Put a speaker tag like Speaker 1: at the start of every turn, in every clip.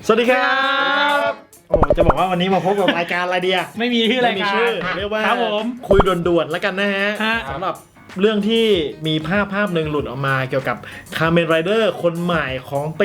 Speaker 1: สวัสดีครับโอ้จะบอกว่าวันนี้มาพบกับรายการอะไรดีอะ
Speaker 2: ไม่มีชื่อรายการ
Speaker 1: เรียกว่า
Speaker 2: ครับผม
Speaker 1: คุยด่วนๆแล้วกันนะฮะ
Speaker 2: ฮะ
Speaker 1: สำหรับเรื่องที่มีภาพหนึ่งหลุดออกมาเกี่ยวกับคาร์เมนไรเดอร์คนใหม่ของปี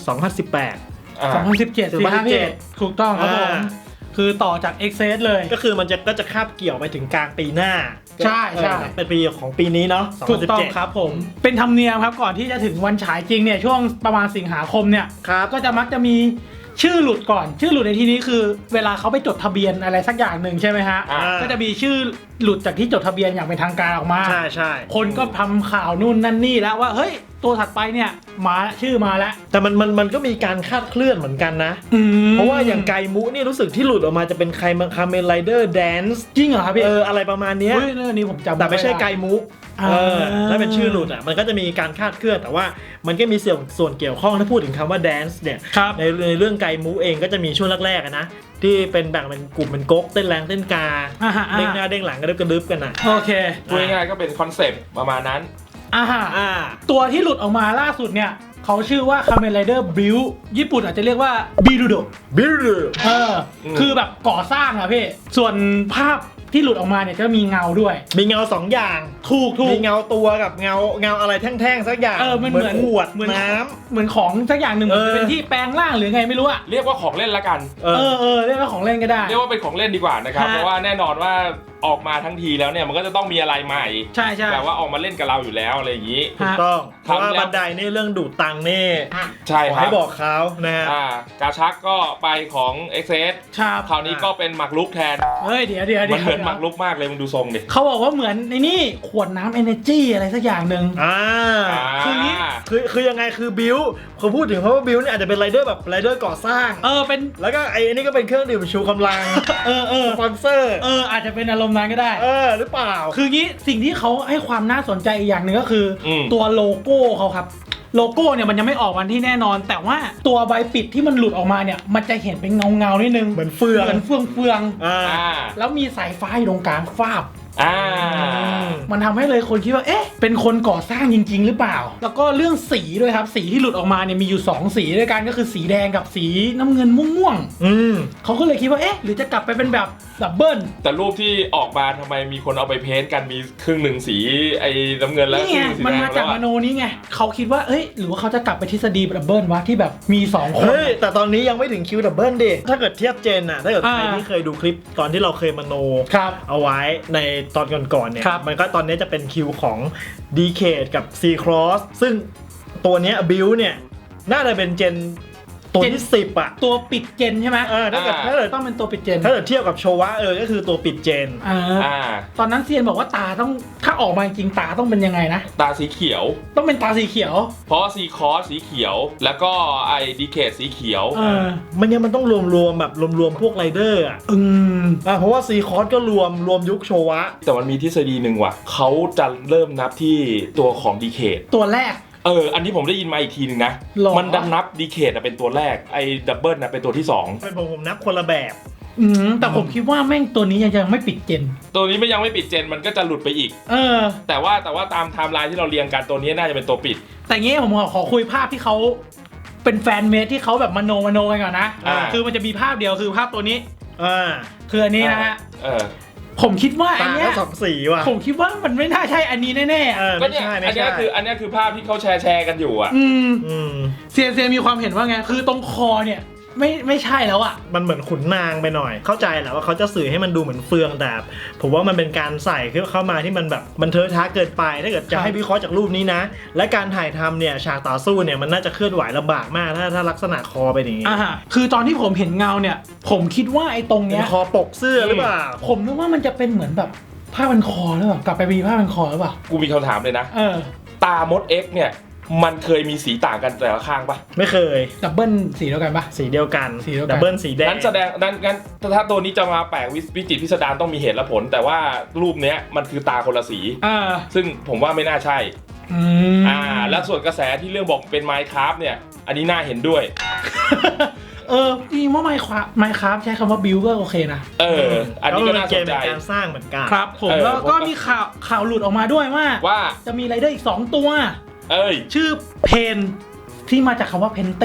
Speaker 1: 2018
Speaker 2: 2017สิครับพี่ถูกต้องครับผม คือต่อจาก Excess เลย
Speaker 1: ก็คือมันก็จะคาบเกี่ยวไปถึงกลางปีหน้า
Speaker 2: ใช่ใช่
Speaker 1: เป็นปีของปีนี้เนาะ
Speaker 2: ถูกต้อง
Speaker 1: 2017
Speaker 2: ครับผม เป็นธรรมเนียมครับก่อนที่จะถึงวันฉายจริงเนี่ยช่วงประมาณสิงหาคมเนี่ย
Speaker 1: ครับ
Speaker 2: ก็จะมักจะมีชื่อหลุดก่อน ชื่อหลุดในที่นี้คือ เวลาเขาไปจดทะเบียนอะไรสักอย่างหนึ่งใช่ไหมฮะ ก็จะมีชื่อหลุดจากที่จดทะเบียนอย่างเป็นทางการออกมา
Speaker 1: ใช่ใช่
Speaker 2: คนก็ทำข่าวนู่นนั่นนี่แล้วว่าเฮ้ยตัวถัดไปเนี่ยมาชื่อมาแล้ว
Speaker 1: แต่มันก็มีการคาดเคลื่อนเหมือนกันนะ
Speaker 2: ม
Speaker 1: เพราะว่าอย่างไกมุนี่รู้สึกที่หลุดออกมาจะเป็นคาร์เมนไรเดอร์แดนซ์
Speaker 2: จริงเหรอครับพี่
Speaker 1: อะไรประมาณเนี้ย
Speaker 2: เฮ้ยเรื่องนี้ผมจำ
Speaker 1: แต่ไม่ใช่
Speaker 2: ด้
Speaker 1: ไกมุ ถ้าเป็นชื่อหลุดอ่ะมันก็จะมีการคาดเคลื่อนแต่ว่ามันก็มีส่วนเกี่ยวข้องถ้าพูดถึงคำว่าแดนซ์เนี่ย
Speaker 2: ครับ
Speaker 1: ในเรื่องไกมูเองก็จะมีช่วงแรกๆอะนะที่เป็นแบ่งเป็นกลุ่มเป็นก๊กเต้นแรงเต้นกา
Speaker 2: อ่าฮะ
Speaker 1: เด้งหน้าเด้งหลังกระดึบกระดึบกันอ่ะ
Speaker 2: โอเค
Speaker 3: พูดง่ายๆก็เป็นคอนเซปต์ประมาณนั้น
Speaker 2: อ่าฮะ
Speaker 1: อ่า
Speaker 2: ตัวที่หลุดออกมาล่าสุดเนี่ยเขาชื่อว่า Kamen Rider Build ญี่ปุ่นอาจจะเรียกว่าบิรุโด
Speaker 1: บิล
Speaker 2: คือแบบก่อสร้างอะพี่ ส่วนภาพที่หลุดออกมาเนี่ยจะมีเงาด้วย
Speaker 1: มีเงาสองอย่าง
Speaker 2: ถูก
Speaker 1: มีเงาตัวกับเงาอะไรแท่งๆสักอย่าง
Speaker 2: มันเหมือน
Speaker 1: ขวด
Speaker 2: เหมือน
Speaker 1: น้
Speaker 2: เหมือนของสักอย่างหนึ่ง
Speaker 1: เออ
Speaker 2: จะเป็นที่แปลงร่างหรือไงไม่รู้อะ
Speaker 3: เรียกว่าของเล่นละกัน
Speaker 1: ำ
Speaker 2: เรียกว่าของเล่นก็ได้
Speaker 3: เรียกว่าเป็นของเล่นดีกว่านะครับ
Speaker 2: ฮะ
Speaker 3: เพราะว่าแน่นอนว่าออกมาทั้งทีแล้วเนี่ยมันก็จะต้องมีอะไรใหม่
Speaker 2: ใช่ใช่
Speaker 3: แบบว่าออกมาเล่นกับเราอยู่แล้วอะไรอย่างนี้
Speaker 1: ถูกต้องเพ
Speaker 3: ครับ
Speaker 1: ราะว่า
Speaker 3: แล้ว
Speaker 1: บันไดนี่เรื่องดูดตังค์นี่
Speaker 3: ใช่
Speaker 1: ขอ
Speaker 3: ครับ
Speaker 1: ให้บอกเขานะฮะ
Speaker 3: กาชักก็ไปของ Excess
Speaker 2: ครับ
Speaker 3: คราวนี้ก็เป็นหมักลุกแทน
Speaker 2: เฮ้ยเดี๋ยว
Speaker 3: มันเหมือนหมักลุกมากเลยมึงดูทรงดิ
Speaker 2: เขาบอกว่าเหมือนในนี่ขวดน้ำ Energy อะไรสักอย่างหนึ่ง คือนี้
Speaker 1: คือยังไงคือบิวเขาพูดถึงเพราะว่าบิวเนี่ยอาจจะเป็นไรเดอร์แบบไรเดอร์ก่อสร้าง
Speaker 2: เป็น
Speaker 1: แล้วก็ไอ้นี่ก็เป็นเครื่องดื่มชูกำลัง สปอนเซอร์
Speaker 2: อาจจะเป็นอารมณ์นั้นก็ได้
Speaker 1: หรือเปล่า
Speaker 2: คืองี้สิ่งที่เขาให้ความน่าสนใจอีกอย่างหนึ่งก็คืออ
Speaker 3: ม
Speaker 2: ตัวโลโก้เขาครับ โลโก้เนี่ยมันยังไม่ออกวันที่แน่นอน แต่ว่าตัวใบปิดที่มันหลุดออกมาเนี่ยมันจะเห็นเป็นเงานิดนึง
Speaker 1: เหมือนเฟือง
Speaker 2: เหมือนเฟือง
Speaker 1: อ่า
Speaker 2: แล้วมีสายฟ้าอยู่ตรงกลางฟาบ
Speaker 3: อ่า
Speaker 2: มันทำให้เลยคนคิดว่าเอ๊ะเป็นคนก่อสร้างจริง ๆ หรือเปล่า แล้วก็เรื่องสีด้วยครับสีที่หลุดออกมาเนี่ยมีอยู่2สีด้วยกันก็คือสีแดงกับสีน้ำเงินม่วง
Speaker 1: อืม
Speaker 2: ๆเขาก็เลยคิดว่าเอ๊ะหรือจะกลับไปเป็นแบบดับเบิล
Speaker 3: แต่รูปที่ออกมาทำไมมีคนเอาไปเพ้นท์กันมีครึ่งหนึ่งสีไอ้น้ำเงินแล้ว
Speaker 2: นี่
Speaker 3: ครึ่
Speaker 2: ไง
Speaker 3: งสี
Speaker 2: มัน
Speaker 3: แดง
Speaker 2: มา
Speaker 3: แล้
Speaker 2: จาก
Speaker 3: ว
Speaker 2: ม
Speaker 3: อะ
Speaker 2: โนนี้ไงเขาคิดว่าเอ้ยหรือว่าเขาจะกลับไปทฤษฎีดับเบิลวะที่แบบมี2คน
Speaker 1: เฮ้ย แต่ตอนนี้ยังไม่ถึงคิวดับเบิลดิถ้าเกิดเทียบเจนอะถ้าเกิดใคร
Speaker 2: อ่า
Speaker 1: ที่เคยดูคลิปตอนที่เราเคยมโน
Speaker 2: ครับ
Speaker 1: เอาไว้ในตอนก่อนๆเนี่ย
Speaker 2: ครับ
Speaker 1: มันก็ตอนนี้จะเป็นคิวของ d c a d e กับ C Cross ซึ่งตัวเนี้ยบิวเนี่ยน่าจะเป็นเจนตัวที่ 10 อ่ะ
Speaker 2: ตัวปิดเจนใช่ไหม
Speaker 1: ถ้าเกิด
Speaker 2: ต้องเป็นตัวปิดเจน
Speaker 1: ถ้าเกิดเทียบกับโชวะก็คือตัวปิดเจน
Speaker 3: อ่า
Speaker 2: ตอนนั้นเซียนบอกว่าตาต้องถ้าออกมาจริงตาต้องเป็นยังไงนะ
Speaker 3: ตาสีเขียว
Speaker 2: ต้องเป็นตาสีเขียว
Speaker 3: เพราะซีคอสสีเขียว แล้วก็ไอ้ดีเคทสีเขียว
Speaker 1: มันต้องรวมแบบรวมพวกไรเดอร์อ่ะ เพราะว่า C Cross ก็รวมยุคโชวะ
Speaker 3: แต่มันมีทฤษฎีหนึ่งว่ะเขาจะเริ่มนับที่ตัวของดีเคท
Speaker 2: ตัวแรก
Speaker 3: อันนี้ผมได้ยินมาอีกทีหนึ่งนะ
Speaker 2: หรอ
Speaker 3: มันดันนับดีเคทเป็นตัวแรก ไอ้ดับเบิลเป็นตัวที่
Speaker 1: เป็นผมนับคนละแบบ
Speaker 2: แต่ผมคิดว่าแม่งตัวนี้ยังไม่ปิดเจน
Speaker 3: 2 ตัวนี้ยังไม่ปิดเจนมันก็จะหลุดไปอีก แต่ว่าตามไทม์ไลน์ที่เราเรียงกันตัวนี้น่าจะเป็นตัวปิด
Speaker 2: แต่งี้ผมขอคุยภาพที่เขาเป็นแฟนเมดที่เขาแบบมโนกันก่อนนะ คือมันจะมีภาพเดียวคือภาพตัวนี้ คืออันนี้นะฮะ ผมคิดว่าอั
Speaker 1: ตาน
Speaker 2: เนี้
Speaker 1: ก็
Speaker 2: ย
Speaker 1: สองสีว่ะ
Speaker 2: ผมคิดว่ามันไม่น่าใช่อันนี้แน่ๆ
Speaker 3: ก็เนี่ย
Speaker 1: ไม่
Speaker 3: อัน
Speaker 1: ใช่
Speaker 3: นี้คือภาพที่เขาแชร์กันอยู่อ่ะ
Speaker 2: เซียนมีความเห็นว่าไง คือตรงคอเนี่ยไม่ใช่แล้วอ่ะ
Speaker 1: มันเหมือนขุนนางไปหน่อย เข้าใจแหละว่าเขาจะสื่อให้มันดูเหมือนเฟืองแต่ผมว่ามันเป็นการใส่เข้ามาที่มันแบบมันเทอะทะเกินไปถ้าเกิดจะให้วิเคราะห์จากรูปนี้นะ และการถ่ายทำเนี่ยฉากต่อสู้เนี่ยมันน่าจะเคลื่อนไหวลำบากมากถ้าลักษณะคอเป็นอย่างนี้
Speaker 2: คือตอนที่ผมเห็นเงาเนี่ย ผมคิดว่าไอ้ตรง
Speaker 1: เป็
Speaker 2: เนี้
Speaker 1: น
Speaker 2: ย
Speaker 1: คอปกเสื้อหรือเปล่า
Speaker 2: ผมนึกว่ามันจะเป็นเหมือนแบบผ้าพันคอหรือเปล่ากลับไปมีผ้าพันคอหรือเปล่า
Speaker 3: กูมีคำถามเลยนะ ตามด X เนี่ยมันเคยมีสีต่างกันแต่ละข้างปะ
Speaker 1: ไม่เคย
Speaker 2: ดับเบิลสีเดียวกันปะ
Speaker 1: สีเดียวกัน
Speaker 2: สีเดียวกัน
Speaker 1: ดับเบิลสีแดง
Speaker 3: งั้นแสดงงั้นถ้าตัวนี้จะมาแปลกวิจิตรพิสดารต้องมีเหตุและผล แต่ว่ารูปเนี้ยมันคือตาคนละสี ซึ่งผมว่าไม่น่าใช่ แล้วส่วนกระแสที่เรื่องบอกเป็น Minecraft เนี่ยอันนี้น่าเห็นด้วย
Speaker 2: จริงว่าไมค์ครับใช้คำว่าบิวก็โอเคนะ
Speaker 3: อันนี้ก็น่าสนใจ
Speaker 1: เป็นการสร้างเหมือนกัน
Speaker 2: ครับผมแล้วก็มีข่าวหลุดออกมาด้วยว่าจะมีไรเดอร์อีก2ตัวชื่อเพนที่มาจากคำว่าเพนติ้งอ่ะ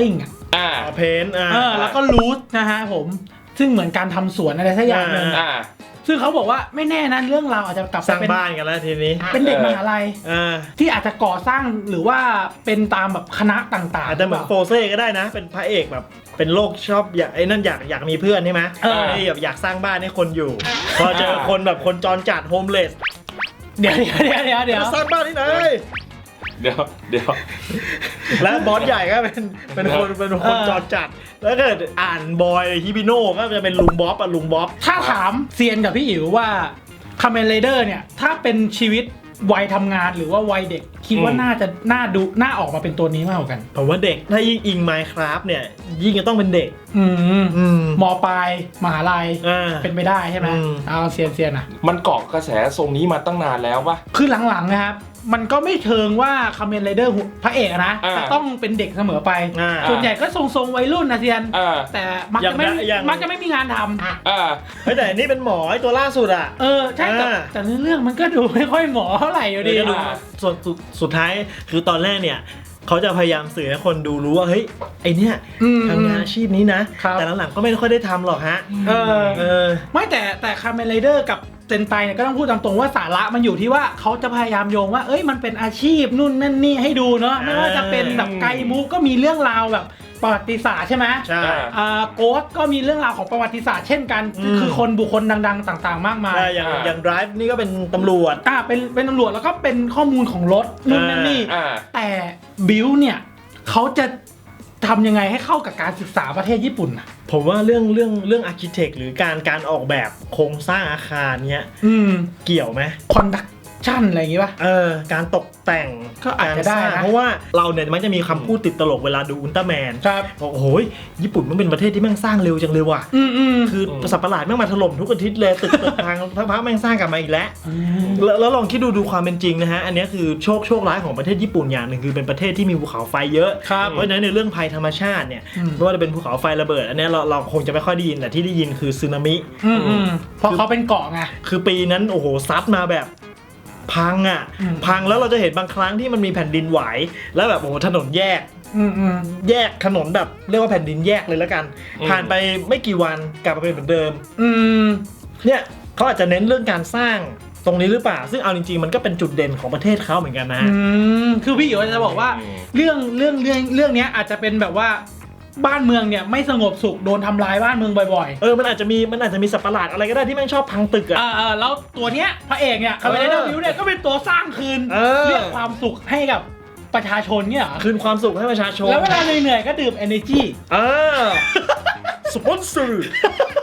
Speaker 1: เพน
Speaker 2: แล้วก็รูทนะฮะผมซึ่งเหมือนการทำสวนอะไรสักอย่างนึงซึ่งเขาบอกว่าไม่แน่นะเรื่องราวอาจจะกลับ
Speaker 1: สร้างบ้านกันแล้วทีนี้
Speaker 2: เป็นเด็กมหาลัยที่อาจจะก่อสร้างหรือว่าเป็นตามแบบคณะต่างๆ
Speaker 1: อาจจะเหมือนโฟเซ่ก็ได้นะเป็นพระเอกแบบเป็นโรคชอบอยากไอ้นั่นอยากมีเพื่อนใช่ไหมอยากสร้างบ้านให้คนอยู่พอเจอคนแบบคนจรจัดโฮมเลส
Speaker 2: เดี๋ยว
Speaker 1: สร้างบ้านที่ไหน
Speaker 3: เดี๋ยว
Speaker 1: แล้วบอสใหญ่ก็เป็นคนจรจัดแล้วก็อ่านบอยฮิบิโน่ก็จะเป็นลุงบ๊อบ
Speaker 2: ถ้าถามเซียนกับพี่อิ๋วว่าคาเมนไรเดอร์เนี่ยถ้าเป็นชีวิตวัยทำงานหรือว่าวัยเด็กคิดว่าน่าจะน่าออกมาเป็นตัวนี้มากกว่ากัน
Speaker 1: ผมว่าเด็กถ้ายิ่งอิง Minecraft เนี่ยยิ่งจะต้องเป็นเด็ก
Speaker 2: ม.ปลายมหาลัยเป็นไปได้ใช่ไหมเอาเซียนอ่ะ
Speaker 3: มันเกาะกระแสทรงนี้มาตั้งนานแล้วปะ
Speaker 2: คือหลังๆนะครับมันก็ไม่เชิงว่าคาเมนไรเดอร์พระเอกนะจะต้องเป็นเด็กเสมอไปส่วนใหญ่ก็ทรงวัยรุ่นนะเซียนแต่มักจะไม่มีงานท
Speaker 1: ำแต่นี่เป็นหมอไอตัวล่าสุดอ่ะ
Speaker 2: ใช่แต่เรื่องมันก็ดูไม่ค่อยหมอเท่าไหร่อยู่ดี
Speaker 1: ส่วนสุดท้ายคือตอนแรกเนี่ยเขาจะพยายามสื่อให้คนดูรู้ว่าเฮ้ยไอเนี้ยทำงานอาชีพนี้นะแต่หลังๆก็ไม่ค่อยได้ทำหรอกฮะ
Speaker 2: ไม่แต่คาเมนไรเดอร์กับเซนไตเนี่ยก็ต้องพูดตามตรงว่าสาระมันอยู่ที่ว่าเขาจะพยายามโยงว่ามันเป็นอาชีพนู่นนั่นนี่ให้ดูเนาะไม่ว่าจะเป็นแบบไกมุก็มีเรื่องราวแบบประวัติศาสตร์ใช่ไหม
Speaker 1: ใช่
Speaker 2: โกสก็มีเรื่องราวของประวัติศาสตร์เช่นกันคือคนบุคคลดังๆต่างๆมากมาย
Speaker 1: อย่าง Drive นี่ก็เป็นตำรวจ
Speaker 2: เป็นตำรวจแล้วก็เป็นข้อมูลของรถนู่นนั่นนี่แต่บิลเนี่ยเขาจะทำยังไงให้เข้ากับการศึกษาประเทศญี่ปุ่นนะ
Speaker 1: ผมว่าเรื่องอาร์คิเทคหรือการออกแบบโครงสร้างอาคารเนี้ยเกี่ยวไหม
Speaker 2: คอนดักชั่นอะไรอย่างงี้ป่ะ
Speaker 1: การตกแต่ง
Speaker 2: ก็อาจจะได้นะ
Speaker 1: เพราะว่าเราเนี่ยมันจะมีคำพูดติดตลกเวลาดูอุลตร้าแมนบอกโอ้ยญี่ปุ่นมันเป็นประเทศที่แม่งสร้างเร็วจังเลยว่ะคือสัตว์ประหลาดแม่งมาถล่มทุกอาทิตย์เลยตึกทางพักแม่งสร้างกลับมาอีกแล้วลองคิดดูความเป็นจริงนะฮะอันนี้คือโชคร้ายของประเทศญี่ปุ่นอย่างหนึ่งคือเป็นประเทศที่มีภูเขาไฟเยอะเพราะฉะนั้นในเรื่องภัยธรรมชาติเนี่ยไม่ว่าจะเป็นภูเขาไฟระเบิดอันนี้เราคงจะไม่ค่อยได้ยินแต่ที่ได้ยินคือสึนามิ
Speaker 2: เพราะเขาเป็นเกาะไง
Speaker 1: คือปีนั้นโอ้โหซัดมาแบบพังแล้วเราจะเห็นบางครั้งที่มันมีแผ่นดินไหวแล้วแบบโอ้โหถนนแยกถนนแบบเรียกว่าแผ่นดินแยกเลยแล้วกันผ่านไปไม่กี่วันกลับมาเป็นเหมือนเดิมเนี่ยเขาอาจจะเน้นเรื่องการสร้างตรงนี้หรือเปล่าซึ่งเอาจริงๆมันก็เป็นจุดเด่นของประเทศเขาเหมือนกันนะ
Speaker 2: คือพี่อยู่จะบอกว่าเรื่องนี้อาจจะเป็นแบบว่าบ้านเมืองเนี่ยไม่สงบสุขโดนทำลายบ้านเมืองบ่อย
Speaker 1: ๆมันอาจจะมีสัตว์ประหลาดอะไรก็ได้ที่แม่งชอบพังตึก
Speaker 2: แล้วตัวเนี้ยพระเอกเนี่ยคาเมนไรเดอร์บิวเนี่ยก็เป็นตัวสร้างคืนเรียกความสุขให้กับประชาชนเนี่ย
Speaker 1: คืนความสุขให้ประชาชน
Speaker 2: แล้วเวลาเหนื่อยๆก็ดื่ม energy
Speaker 1: สปอนเซอร์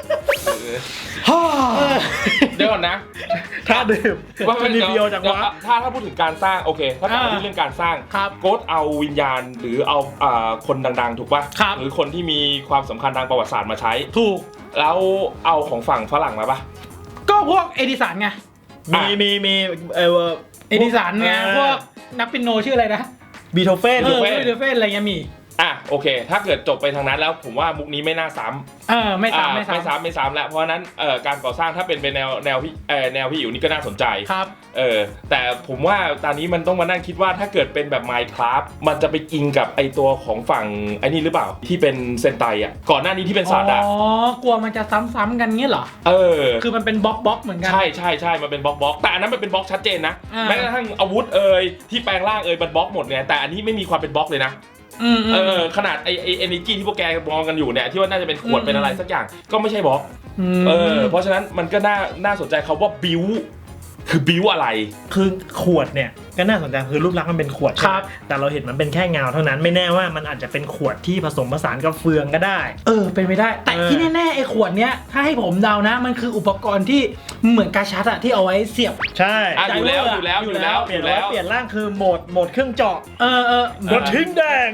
Speaker 3: เดี๋ยวก่อนนะ
Speaker 1: ถ้าดื่ม
Speaker 3: ว่าเป็นเดียวจากว่าถ้าพูดถึงการสร้างโอเคถ้าพูดเรื่องการสร้างโกสเอาวิญญาณหรือเอาคนดังๆถูกป่ะหรือคนที่มีความสำคัญทางประวัติศาสตร์มาใช้
Speaker 2: ถูก
Speaker 3: แล้วเอาของฝั่งฝรั่งมาป่ะ
Speaker 2: ก็พวกเอดิสันไง
Speaker 1: มี
Speaker 2: เอดิสันไงพวกนักปิโนชื่ออะไรนะ
Speaker 1: บีโธเฟน
Speaker 2: อะไรเงี้ยมี
Speaker 3: โอเคถ้าเกิดจบไปทางนั้นแล้วผมว่ามุกนี้ไม่น่าซ้ำ
Speaker 2: ไม่ซ้ำ
Speaker 3: แล้วเพราะนั้นการก่อสร้างถ้าเป็นแนวพี่อยู่นี่ก็น่าสนใจ
Speaker 2: ครับ
Speaker 3: แต่ผมว่าตอนนี้มันต้องมานั่งคิดว่าถ้าเกิดเป็นแบบ Minecraft มันจะไปอิงกับไอตัวของฝั่งไอ้นี่หรือเปล่าที่เป็นเซนไตก่อนหน้านี้ที่เป็นสัตว์
Speaker 2: กลัวมันจะซ้ำๆกันเงี้ยเหรอคือมันเป็นบล็อกเหมือนกัน
Speaker 3: ใช่มันเป็นบล็อกแต่อันนั้นมันเป็นบล็อกชัดเจนนะแม้กระทั่งอาวุธที่แปลงร่างมันบล็อกหมดเนี่ยแต่อันนี้ไม่มีความเป็นบล็อกเลยนะขนาดไอenergy ที่พวกแกมองกันอยู่เนี่ยที่ว่าน่าจะเป็นขวดเป็นอะไรสักอย่างก็ไม่ใช่บล็อกเพราะฉะนั้นมันก็น่าสนใจเขาว่าบิวคือบิวอะไร
Speaker 1: คือขวดเนี่ยก็น่าสนใจคือรูปลักษณ์มันเป็นขวดครับแต่เราเห็นมันเป็นแค่เงาเท่านั้นไม่แน่ว่ามันอาจจะเป็นขวดที่ผสมผสานกับเฟืองก็ได้
Speaker 2: เป็นไปได้แต่ที่แน่ๆไอ้ขวดเนี้ยถ้าให้ผมเดานะมันคืออุปกรณ์ที่เหมือนกาชัดอะที่เอาไว้เสียบ
Speaker 1: ใช่
Speaker 3: อยู่แล้วเป
Speaker 1: ลี่ยนร่างคือโหมดเครื่องเจาะกระทิงแดง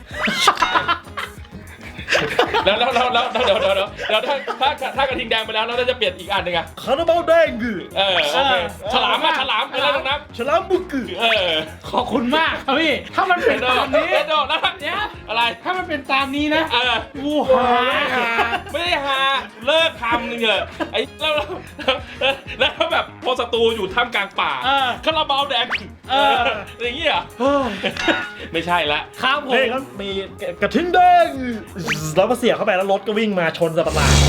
Speaker 3: แล้วเดี๋ยวถ้ากระทิงแดงไปแล้วเราจะเปลี่ยนอีกอันหนึ่งอะ
Speaker 1: คาราบาลแดง
Speaker 3: โอเคฉลามอะไรนะ
Speaker 1: ฉลามบุก
Speaker 2: ขอบคุณมากครับพี่ถ้ามันเป็นตามนี้
Speaker 3: แล้วอะไร
Speaker 2: ถ้ามันเป็นตามนี้นะ
Speaker 3: วูหาไม่ได้หาเลิกทำนึงเลยไอ้แล้วแล้วก็แบบพอศัตรูอยู่ท่ามกลางป่าคาราบาวแดงอย่างเงี้ยไม่ใช่ละ
Speaker 2: ครับผม
Speaker 1: นี่ก็มีกระทิงแดงแล้วก็เสียบเข้าไปแล้วรถก็วิ่งมาชนสัตว์ประหลาด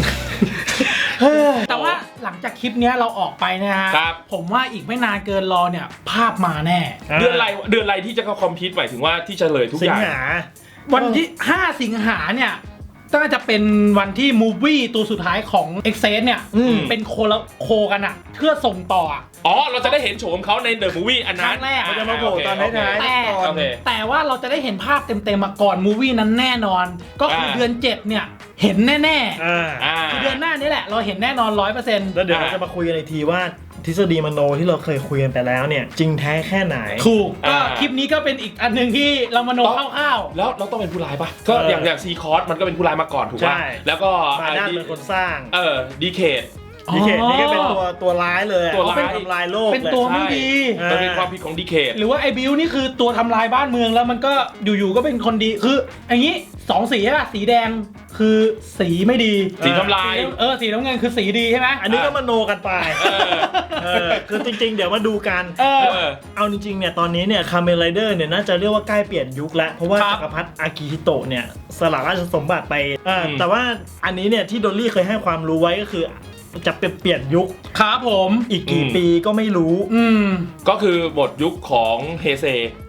Speaker 2: แต่ว่าหลังจากคลิปเนี้ยเราออกไปนะฮะ
Speaker 3: ครับ
Speaker 2: ผมว่าอีกไม่นานเกินรอเนี่ยภาพมาแน่
Speaker 3: เดือนอะไรที่จะเข้าคอมพิวต์หมายถึงว่าที่เฉลยทุก
Speaker 1: สิ
Speaker 3: อง ย่าง
Speaker 1: หา
Speaker 2: วันที่ 5 สิงหาเนี่ยน่าจะเป็นวันที่มูฟวี่ตัวสุดท้ายของ e x c e s เนี่ย เป็นโคกันอะเพื่อส่งต่ออะ
Speaker 3: อ๋อเราจะได้เห็นโฉมเขาในเดอะมูฟวี่อัน
Speaker 2: ค
Speaker 3: นั้
Speaker 2: รั้
Speaker 3: น
Speaker 2: งแรก
Speaker 1: เขาจะมาโผล่ตอนท้ายๆ
Speaker 3: โอเค
Speaker 2: แต่ว่าเราจะได้เห็นภาพเต็มๆมาก่อนมูฟวี่นั้นแน่นอน ก็คือเดือน 7 เนี่ย เห็นแน่ๆคือเดือนหน้านี้แหละ เราเห็นแน่นอน 100%
Speaker 1: แล้วเดี๋ยวเราจะมาคุยกันอีกทีว่าทฤษฎีมโนที่เราเคยคุยกันไปแล้วเนี่ยจริงแท้แค่ไหน
Speaker 2: ถูกก็คลิปนี้ก็เป็นอีกอันหนึ่งที่เรามโนคร่าว
Speaker 3: แล้วเราต้องเป็นผู้ร้ายปะก็อย่างซีคอร์สมันก็เป็นผู้ร้ายมาก่อนถูก
Speaker 1: ใช่
Speaker 3: ป่ะแล้วก็
Speaker 1: มาด้านเป็นคนสร้าง
Speaker 3: ดีเคท
Speaker 1: ดีเคทนี่ก็เป็นตัวร้ายเลย
Speaker 3: ตัวร้าย
Speaker 1: เป็นทำลายโลก
Speaker 2: ๆเป็นตัวไม่ดี
Speaker 3: มันเป็นความผิดของดีเคท
Speaker 2: หรือว่าไอ้บิวนี่คือตัวทำลายบ้านเมืองแล้วมันก็อยู่ๆก็เป็นคนดีคืออย่างนี้2สีใช่ป่ะสีแดงคือสีไม่ดี
Speaker 3: สีทำลาย
Speaker 2: สีน้ำเงินคือสีดีใช่ไหม
Speaker 1: อันนี้ก็มโนกันไปคือจริงๆ เดี๋ยวมาดูกัน เอาจริงๆ เนี่ยตอนนี้เนี่ยคาเมนไรเดอร์เนี่ยน่าจะเรียกว่าใกล้เปลี่ยนยุคแล้ว เพราะว่าจักรพรรดิอากิฮิโตะเนี่ยสละราชสมบัติไปแต่ว่าอันนี้เนี่ยที่โดลลี่เคยให้ความรู้ไว้ก็คือจะเปลี่ยนยุค
Speaker 2: ครับผม
Speaker 1: อีกกี่ปีก็ไม่รู้
Speaker 3: ก็คือหมดยุคของเฮเซ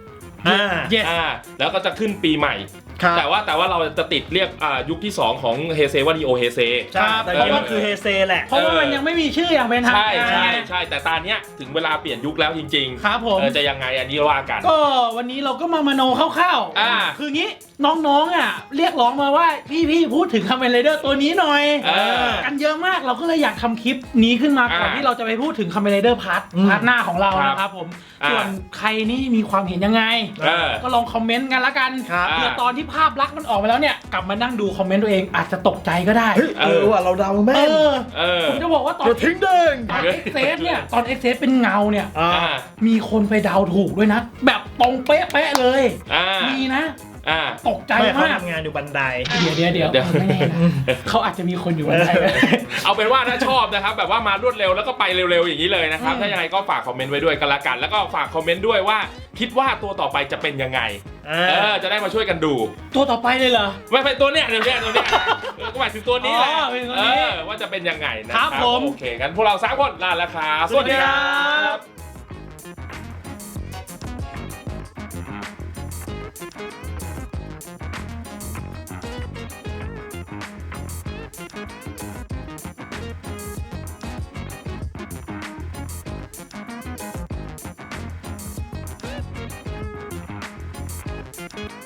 Speaker 2: yes
Speaker 3: แล้วก็จะขึ้นปีใหม่ แต่ว่าเราจะติดเรียกยุคที่ 2 ของเฮเซว่านีโอเฮเซ
Speaker 1: ใช่แต่นี่มันคือเฮเซแหละ
Speaker 2: เพราะว่ามันยังไม่มีชื่ออย่างเป็นทางการ
Speaker 3: ใช่แต่ตอนเนี้ยถึงเวลาเปลี่ยนยุคแล้วจริงๆ
Speaker 2: ครับผม
Speaker 3: จะยังไงอันนี้ว่ากัน
Speaker 2: ก็วันนี้เราก็มโนคร่าวๆคืองี้น้องๆเรียกร้องมาว่าพี่พูดถึงคาเมนไรเดอร์ตัวนี้หน่อยกันเยอะมากเราก็เลยอยากทำคลิปนี้ขึ้นมาก่อนที่เราจะไปพูดถึงคาเมนไรเดอร์พาร์ทหน้าของเรานะครับผมส่วนใครนี่มีความเห็นยังไงก็ลองคอมเมนต์กันละกันเผื่อตอนที่ภาพลักษณ์มันออกมาแล้วเนี่ยกลับมานั่งดูคอมเมนต์ตัวเองอาจจะตกใจก็ได้
Speaker 1: ว่าเราเดาแม่น
Speaker 2: ผมจะบอกว่าตอน
Speaker 1: ทิ้งเด้ง
Speaker 2: เอ็กเซสเนี่ยตอนเอ็กเซสเป็นเงาเนี่ยมีคนไปเดาถูกด้วยนะ แบบตรงเป๊ะๆเลยมีนะตกใจ
Speaker 1: เขา
Speaker 2: มาก
Speaker 1: ทำงานอยู่บันได
Speaker 2: เดี๋ยวไม่แน่นะเขาอาจจะมีคนอยู่บันได
Speaker 3: เอาเป็นว่าถ้าชอบนะครับแบบว่ามารวดเร็วแล้วก็ไปเร็วๆอย่างนี้เลยนะครับถ้ายังไงก็ฝากคอมเมนต์ไว้ด้วยกันละกันแล้วก็ฝากคอมเมนต์ด้วยว่าคิดว่าตัวต่อไปจะเป็นยังไงจะได้มาช่วยกันดู
Speaker 2: ตัวต่อไปเลยเหรอ
Speaker 3: ไม่เป็นตัวเนี้ยก็หมายถึงตัวนี้แหละ
Speaker 2: เป็นตัวนี้
Speaker 3: ว่าจะเป็นยังไงนะครับ
Speaker 2: ผม
Speaker 3: โอเคงั้นพวกเรา3 คนลาแล้วครับ
Speaker 2: สวัสดีครับ